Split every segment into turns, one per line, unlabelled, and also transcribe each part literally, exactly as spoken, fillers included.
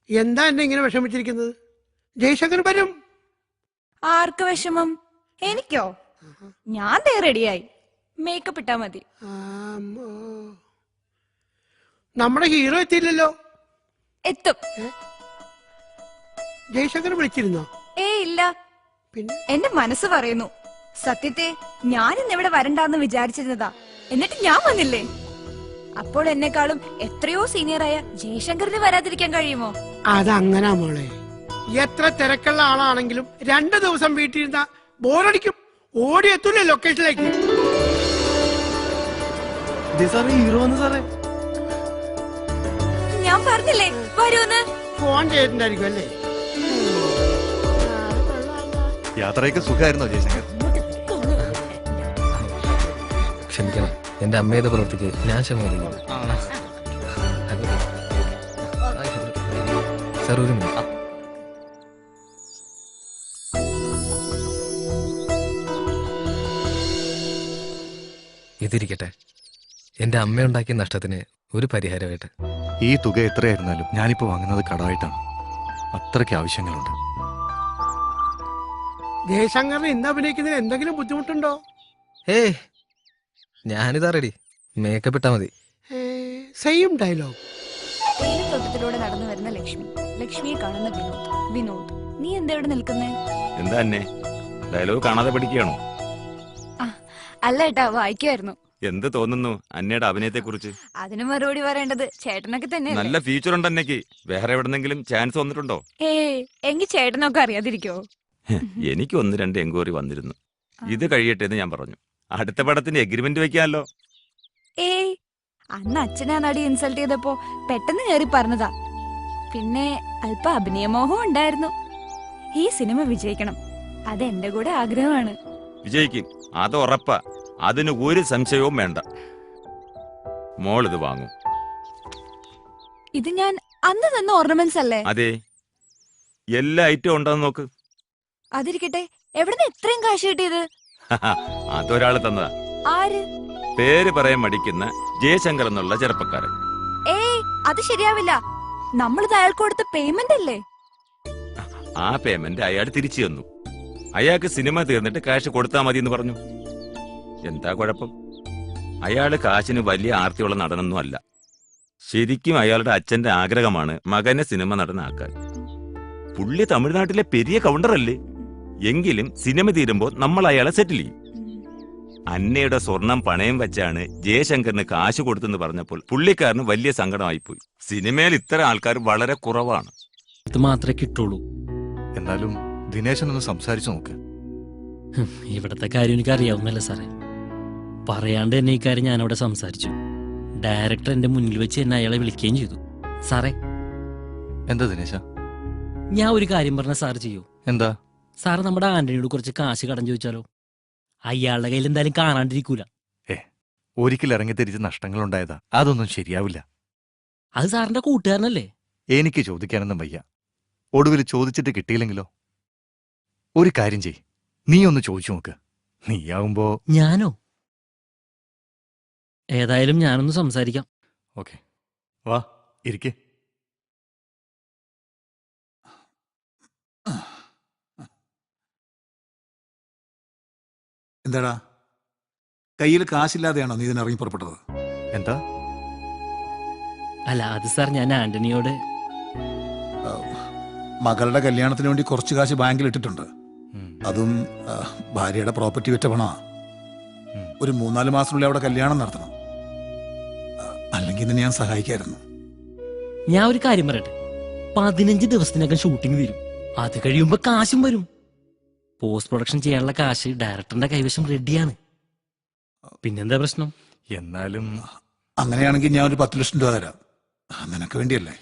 എന്താ എന്നെ ഇങ്ങനെ വിഷമിച്ചിരിക്കുന്നത്? ജയശങ്കർ വരും.
ആർക്ക് വിഷമം? എനിക്കോ? ഞാൻ ദേ റെഡിയായി. മേക്കപ്പ് ഇട്ടാ മതി.
നമ്മുടെ ഹീറോ എത്തിയില്ലല്ലോ.
എത്തും.
ജയശങ്കർ വിളിച്ചിരുന്നോ?
ഏ ഇല്ല.
പിന്നെ
എന്റെ മനസ്സ് പറയുന്നു. സത്യത്തെ ഞാൻ ഇന്നിവിടെ വരണ്ടാന്ന് വിചാരിച്ചിരുന്നതാ. എന്നിട്ട് ഞാൻ വന്നില്ലേ? അപ്പോൾ എന്നെക്കാളും എത്രയോ സീനിയറായ ജയശങ്കറിന് വരാതിരിക്കാൻ കഴിയുമോ?
അതങ്ങനാ മോളെ. എത്ര തിരക്കുള്ള ആളാണെങ്കിലും രണ്ടു ദിവസം വീട്ടിലിരുന്ന ബോറടിക്കും. ഓടി എത്തൂലേ ലൊക്കേഷനിലേക്ക്.
ഞാൻ പറഞ്ഞില്ലേ വരൂന്ന്.
ഫോൺ ചെയ്തിട്ടുണ്ടായിരിക്കും അല്ലേ?
യാത്രയൊക്കെ സുഖമായിരുന്നോ ജയശങ്കർ?
ക്ഷമിക്കണം, എന്റെ അമ്മയുടെ പ്രവൃത്തിക്ക് ഞാൻ ക്ഷമിക്കുന്നു. സാർ ഒരു മിനിറ്റ്. ഇതിരിക്കട്ടെ, എന്റെ അമ്മയുണ്ടാക്കിയ നഷ്ടത്തിന് ഒരു പരിഹാരമായിട്ട്.
ഈ തുക എത്രയായിരുന്നാലും ഞാനിപ്പോ വാങ്ങുന്നത് കടമായിട്ടാണ്. അത്രയ്ക്ക് ആവശ്യങ്ങളുണ്ട്.
ജയശങ്കറിന് ഇന്ന് അഭിനയിക്കുന്നതിന് എന്തെങ്കിലും ബുദ്ധിമുട്ടുണ്ടോ?
ഏയ്, ഞാനിതാ റെഡി. മേക്കപ്പ് ഇട്ടാ മതി.
Same dialogue.
തേയിലത്തോട്ടത്തിലൂടെ നടന്നു വരുന്ന ലക്ഷ്മി, ലക്ഷ്മിയെ കാണുന്ന വിനോദ്. വിനോദ്, നീ എന്താ ഇവിടെ നിൽക്കുന്നേ?
എന്താ എന്നെ ഡയലോഗ് കാണാതെ പഠിക്കുകയാണോ?
അല്ല ഏട്ടാ, വായിക്കുമായിരുന്നു.
എന്ത് തോന്നുന്നു അന്നയുടെ അഭിനയത്തെ കുറിച്ച്?
അതിന് മറുപടി പറയേണ്ടത് ചേട്ടനൊക്കെ തന്നെ.
നല്ല ഫീച്ചർ ഉണ്ട് അന്നയ്ക്ക്. വേറെ എവിടെന്നെങ്കിലും ചാൻസ് വന്നിട്ടുണ്ടോ?
ഏ എങ്കിൽ ചേട്ടനൊക്കെ അറിയാതിരിക്കോ?
എനിക്ക് ഒന്ന് രണ്ട് എൻക്വയറി വന്നിരുന്നു. ഇത് കഴിയട്ടെ എന്ന് ഞാൻ പറഞ്ഞു. അടുത്ത പടത്തിന് എഗ്രിമെന്റ് വെക്കാമല്ലോ.
ഏയ്, അന്ന് അച്ഛനാ നടി ഇൻസൾട്ട് ചെയ്തപ്പോ പെട്ടെന്ന് കയറി പറഞ്ഞതാ. പിന്നെ അല്പ അഭിനയമോഹം ഉണ്ടായിരുന്നു. ഈ സിനിമ വിജയിക്കണം, അത് എന്റെ കൂടെ ആഗ്രഹമാണ്.
വിജയിക്കും, അത് ഉറപ്പാ. അതിന് ഒരു സംശയവും വേണ്ട. മോൾ ഇത് വാങ്ങും.
ഇത് ഞാൻ അന്ന് തന്ന ഓർണമെന്റ്സ് അല്ലേ?
അതെ, എല്ലാ ഐറ്റവും ഉണ്ടെന്ന് നോക്ക്.
അതിരിക്കട്ടെ, എവിടുന്ന് ഇത്രയും കാശ് കിട്ടിയത്?
അതൊരാള് തന്നതാ.
ആര്?
പേര് പറയാൻ മടിക്കുന്ന ജയശങ്കർ എന്നുള്ള ചെറുപ്പക്കാരൻ.
ഏയ്, അത് ശരിയാവില്ല. നമ്മളിത് അയാൾക്ക് കൊടുത്ത പേയ്മെന്റ് അല്ലേ?
ആ പേയ്മെന്റ് അയാൾ തിരിച്ചു തന്നു. അയാൾക്ക് സിനിമ തീർന്നിട്ട് കാശ് കൊടുത്താൽ മതി എന്ന് പറഞ്ഞു. എന്താ കുഴപ്പം? അയാള് കാശിന് വലിയ ആർത്തിയുള്ള നടനൊന്നും അല്ല. ശരിക്കും അയാളുടെ അച്ഛന്റെ ആഗ്രഹമാണ് മകനെ സിനിമ നടനാക്കാൻ. പുള്ളി തമിഴ്നാട്ടിലെ പെരിയ കൗണ്ടറല്ലേ? എങ്കിലും സിനിമ തീരുമ്പോൾ നമ്മൾ അയാളെ സെറ്റിൽ ചെയ്യും. അന്നയുടെ സ്വർണം പണയം വെച്ചാണ് ജയശങ്കറിന് കാശ് കൊടുത്തെന്ന് പറഞ്ഞപ്പോൾ പുള്ളിക്കാരന് വലിയ സങ്കടമായിപ്പോയി. സിനിമയിൽ ഇത്തരം ആൾക്കാർ വളരെ കുറവാണ്.
ഇത് മാത്രമേ കിട്ടുള്ളൂ.
എന്നാലും ദിനേശനൊന്ന് സംസാരിച്ചു നോക്ക്.
ഇവിടത്തെ കാര്യം എനിക്ക് അറിയാവുന്നല്ല സാറേ. പറയാണ്ട് തന്നെ ഈ കാര്യം ഞാനവിടെ സംസാരിച്ചു. ഡയറക്ടർ എന്റെ മുന്നിൽ വെച്ച് എന്നെ അയാളെ വിളിക്കുകയും ചെയ്തു. സാറേ.
എന്താ ദിനേശ?
ഞാൻ ഒരു കാര്യം പറഞ്ഞ സാർ ചെയ്യൂ?
എന്താ?
സാറ് നമ്മുടെ ആന്റണിയോട് കുറച്ച് കാശ് കടം ചോദിച്ചാലോ? അയാളുടെ കയ്യിൽ എന്തായാലും കാണാണ്ടിരിക്കൂല.
ഏ, ഒരിക്കൽ ഇറങ്ങിത്തിരിച്ച് നഷ്ടങ്ങൾ ഉണ്ടായതാ. അതൊന്നും ശരിയാവില്ല.
അത് സാറിന്റെ കൂട്ടുകാരനല്ലേ?
എനിക്ക് ചോദിക്കാനൊന്നും വയ്യ. ഒടുവിൽ ചോദിച്ചിട്ട് കിട്ടിയില്ലെങ്കിലോ? ഒരു കാര്യം ചെയ്, നീ ഒന്ന് ചോദിച്ചു നോക്ക്. നീയാവുമ്പോ.
ഞാനോ? ഏതായാലും ഞാനൊന്ന് സംസാരിക്കാം.
ഓക്കെ, വാ ഇരിക്കേ.
എന്താടാ, കയ്യിൽ കാശില്ലാതെയാണോ നീ ഇതിനിറങ്ങി പുറപ്പെട്ടത്?
എന്താ?
അല്ല, അത് സാർ ഞാൻ ആന്റണിയോട്
മകളുടെ കല്യാണത്തിന് വേണ്ടി കുറച്ച് കാശ് ബാങ്കിൽ ഇട്ടിട്ടുണ്ട്. അതും ഭാര്യയുടെ പ്രോപ്പർട്ടി വിറ്റ പണമാ. ഒരു മൂന്നാല് മാസത്തിനുള്ളിൽ അവിടെ കല്യാണം നടത്തണം. അല്ലെങ്കിൽ തന്നെ ഞാൻ സഹായിക്കായിരുന്നു.
ഞാൻ ഒരു കാര്യം പറയട്ടെ, പതിനഞ്ച് ദിവസത്തിനകം ഷൂട്ടിംഗ് വരും. അത് കഴിയുമ്പോ കാശും വരും. പോസ്റ്റ് പ്രൊഡക്ഷൻ ചെയ്യാനുള്ള കാശ് ഡയറക്ടറിന്റെ കൈവശം റെഡിയാണ്. പിന്നെന്താ പ്രശ്നം?
എന്നാലും
അങ്ങനെയാണെങ്കിൽ ഞാൻ ഒരു പത്ത് ലക്ഷം രൂപ തരാം. നിനക്ക് വേണ്ടിയല്ലേ?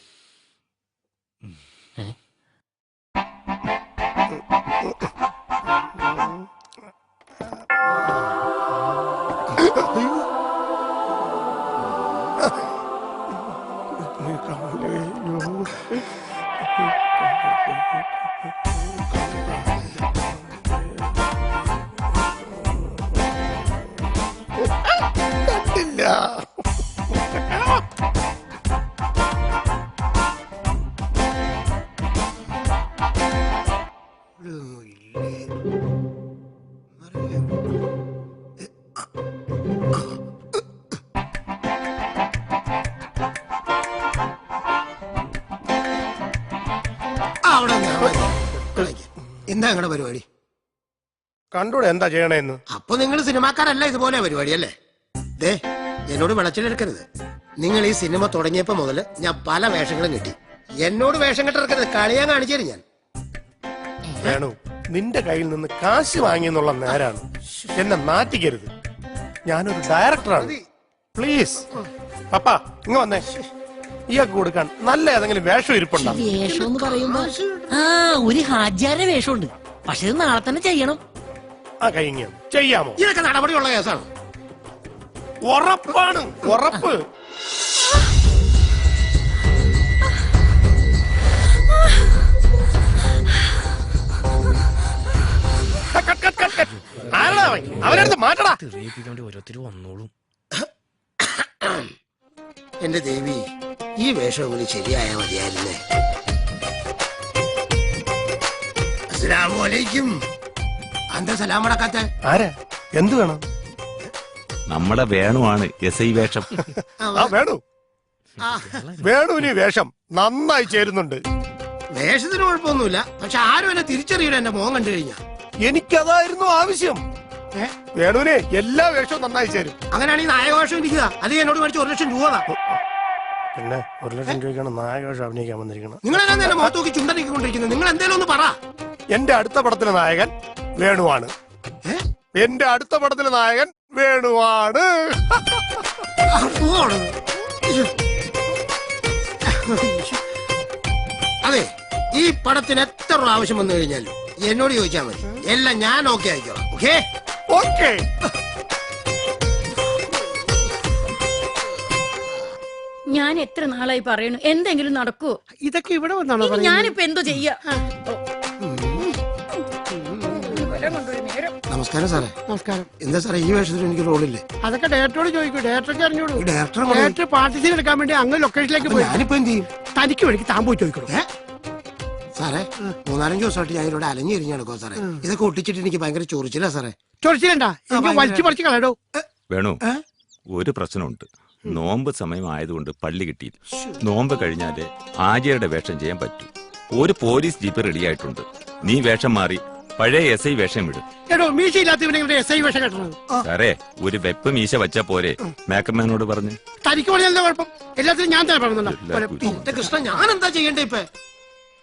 എന്താ നിങ്ങളുടെ പരിപാടി?
കണ്ടൂടെ എന്താ ചെയ്യണേന്ന്?
അപ്പൊ നിങ്ങൾ സിനിമാക്കാരല്ല, ഇതുപോലെ പരിപാടി അല്ലേ? ദേ, എന്നോട് വിളച്ചിലെടുക്കരുത്. നിങ്ങൾ ഈ സിനിമ തുടങ്ങിയപ്പോ മുതല് ഞാൻ പല വേഷങ്ങളും കിട്ടി. എന്നോട് വേഷം കെട്ടിറക്കരുത്, കളിയാൻ കാണിച്ചു തരും ഞാൻ.
വേണു, നിന്റെ കയ്യിൽ നിന്ന് കാശ് വാങ്ങിയെന്നുള്ള നേരാണ്. എന്നെ നാറ്റിക്കരുത്. ഞാനൊരു ഡയറക്ടറാണ്. പ്ലീസ് പപ്പ ഇങ്ങ വന്നേ. ഇയാൾക്ക് കൊടുക്കാൻ നല്ല ഏതെങ്കിലും വേഷം ഇരിപ്പുണ്ടോ?
വേഷം എന്ന് പറയുമ്പോ ആ ഒരു ഹാജാരുടെ വേഷമുണ്ട്. പക്ഷെ ഇത് നാളെ തന്നെ ചെയ്യണം.
ആ കഴിഞ്ഞ ചെയ്യാമോ?
ഇതൊക്കെ നടപടിയുള്ള കേസാണ്.
ഉറപ്പാണ്, ഉറപ്പ്. ആരടാ അവൻ? അവനടുത്ത് മാറ്റടാ.
ഓരോരുത്തർ വന്നോളും.
എന്റെ ദേവി, ഈ വേഷം കൂടി ശരിയായ മതിയായിരുന്നേ. അസ്സലാമലൈക്കും. എന്താ സലാം അടക്കാത്ത?
ആരാ? എന്ത് വേണം?
നമ്മുടെ വേണുവാണ് എസ് ഐ വേഷം.
ആ വേണു, വേണുവിന് ഈ വേഷം നന്നായി ചേരുന്നുണ്ട്.
വേഷത്തിന് കുഴപ്പമൊന്നുമില്ല, പക്ഷെ ആരും എന്നെ തിരിച്ചറിയില്ല എന്റെ മോൻ കണ്ടു കഴിഞ്ഞാ.
എനിക്കതായിരുന്നു ആവശ്യം. വേണുവിനെ എല്ലാ വേഷവും നന്നായി ചേരും.
അങ്ങനെയാണെങ്കിൽ നായകവേഷം ഇരിക്കുക. അത് എന്നോട് മേടിച്ച ഒരു ലക്ഷം രൂപ.
പിന്നെ ഒരു ലക്ഷം രൂപയ്ക്കാണ് നായകവേഷം അഭിനയിക്കാൻ വന്നിരിക്കുന്നത്.
നിങ്ങൾ എന്നെ എന്നെ മുഖത്ത് നോക്കി ചുണ്ടനിക്കൊണ്ടിരിക്കുന്നത്. നിങ്ങൾ എന്തേലും ഒന്ന് പറ.
എന്റെ അടുത്ത പടത്തിലെ നായകൻ വേണുവാണ്. എന്റെ അടുത്ത പടത്തിലെ നായകൻ വേണുവാണ്.
അതെ, ഈ പടത്തിന് എത്ര പ്രാവശ്യം വന്നു കഴിഞ്ഞാലും എന്നോട് ചോദിച്ചാൽ മതി, എല്ലാം ഞാൻ ഓക്കെ ആയിക്കോളാം. Okay
okay.
ഞാൻ എത്ര നാളായി പറയണു എന്തെങ്കിലും നടക്കൂ.
ഇതൊക്കെ ഇവിടെ വന്നാണോ?
ഇനി ഞാനിപ്പോ എന്തോ ചെയ്യാ?
നമസ്കാരം സാറേ. നമസ്കാരം. എന്താ സാറേ ഈ വേഷത്തിൽ എനിക്ക് റോളില്ലേ? അതൊക്കെ ഡയറക്ടറോട് ചോദിക്കും. ഡയറക്ടർക്ക് അറിഞ്ഞോളൂ. ഡയറക്ടർ ഡയറക്ടർ പാർട്ടിസിപ്പേറ്റ് എടുക്കാൻ വേണ്ടി അങ്ങ് ലൊക്കേഷനിലേക്ക് പോയി. ഞാനിപ്പോ എന്ത് ചെയ്യും? തനിക്ക് വേണ്ടി താൻ പോയി ചോദിക്കണം. സാറേ, മൂന്നാലഞ്ച് ദിവസമായിട്ട് ഞാൻ ഇവിടെ അലഞ്ഞു തിരിഞ്ഞു നടക്കുമോ സാറേ? ഇതൊക്കെ ഒട്ടിച്ചിട്ട് എനിക്ക് ഭയങ്കര ചൊറിച്ചില്ല സാറേ. ചൊറിച്ചില്ലണ്ടാ, എനിക്ക് വലിച്ചു പറിച്ച് കളയടോ.
വേണു, ഒരു പ്രശ്നമുണ്ട്. നോമ്പ് സമയം ആയതുകൊണ്ട് പള്ളി കിട്ടിയില്ല. നോമ്പ് കഴിഞ്ഞാല് ആര്യയുടെ വേഷം ചെയ്യാൻ പറ്റൂ. ഒരു പോലീസ് ജീപ്പ് റെഡിയായിട്ടുണ്ട്. നീ വേഷം മാറി പഴയ എസ് ഐ വേഷം വിടും.
എടോ, മീശ ഇല്ലാത്തവനെ എസ് ഐ വേഷം കെട്ടണത്.
സാറേ, ഒരു വെപ്പ് മീശ വച്ചാ പോരെ? മേക്കപ്പ് മാനോട് പറഞ്ഞ്.
തനിക്ക് പറഞ്ഞാൽ എന്താ കുഴപ്പം? എല്ലാത്തിനും ഞാൻ തന്നെ പറഞ്ഞോ. കൃഷ്ണ, ഞാൻ എന്താ ചെയ്യണ്ടേ ഇപ്പൊ?